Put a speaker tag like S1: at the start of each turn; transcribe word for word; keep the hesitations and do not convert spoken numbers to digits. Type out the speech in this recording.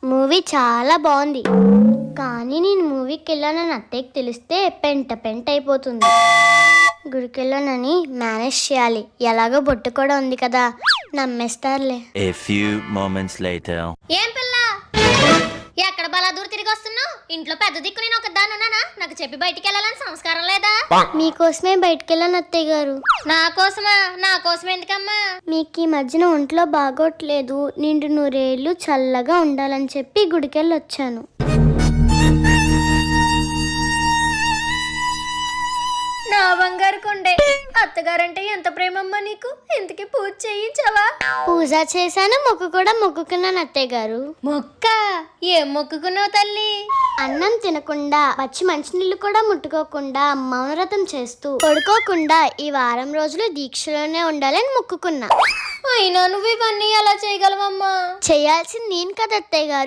S1: Movie చాలా బాగుంది, కానీ నేను మూవీకి వెళ్ళానని అత్తయ్యకి తెలిస్తే పెంట పెంట అయిపోతుంది. గుడికి వెళ్ళానని మేనేజ్ చేయాలి, ఎలాగో బొట్టు కూడా ఉంది కదా, నమ్మేస్తారులే.
S2: A few moments later.
S3: ఏం పిల్ల, ఎక్కడ బలాదూరు తిరిగి వస్తున్నావు? ఇంట్లో పెద్ద దిక్కు నేను ఒక దాని ఉన్నానా? నాకు చెప్పి బయటికి వెళ్ళాలని సంస్కారం లేదా?
S1: మీకోసమే బయటికి వెళ్ళాను అత్తయ్య గారు.
S3: నా కోసమా? నా కోసం ఎందుకమ్మా?
S1: మీకు ఈ మధ్యన ఒంట్లో బాగోట్లేదు, నిండు నూరేళ్ళు చల్లగా ఉండాలని చెప్పి గుడికెళ్ళి వచ్చాను.
S3: నా బంగారు కొండే, అత్తగారంటే ఎంత ప్రేమమ్మా నీకు. ఇంతకీ పూజ చేయించావా?
S1: పూజ చేశాను, మొక్కు కూడా మొక్కుకున్నాను అత్తయ్య గారు.
S3: మొక్క ఏం మొక్కుకున్నావు తల్లి?
S1: అన్నం తినకుండా పచ్చి మంచినీళ్ళు కూడా ముట్టుకోకుండా మౌనవ్రతం చేస్తూ పడుకోకుండా ఈ వారం రోజులు దీక్షలోనే ఉండాలని మొక్కుకున్నా.
S3: అయినా నువ్వు ఇవన్నీ ఎలా చేయగలవమ్మా?
S1: చేయాల్సింది నేను కదా అత్తయ్య గారు.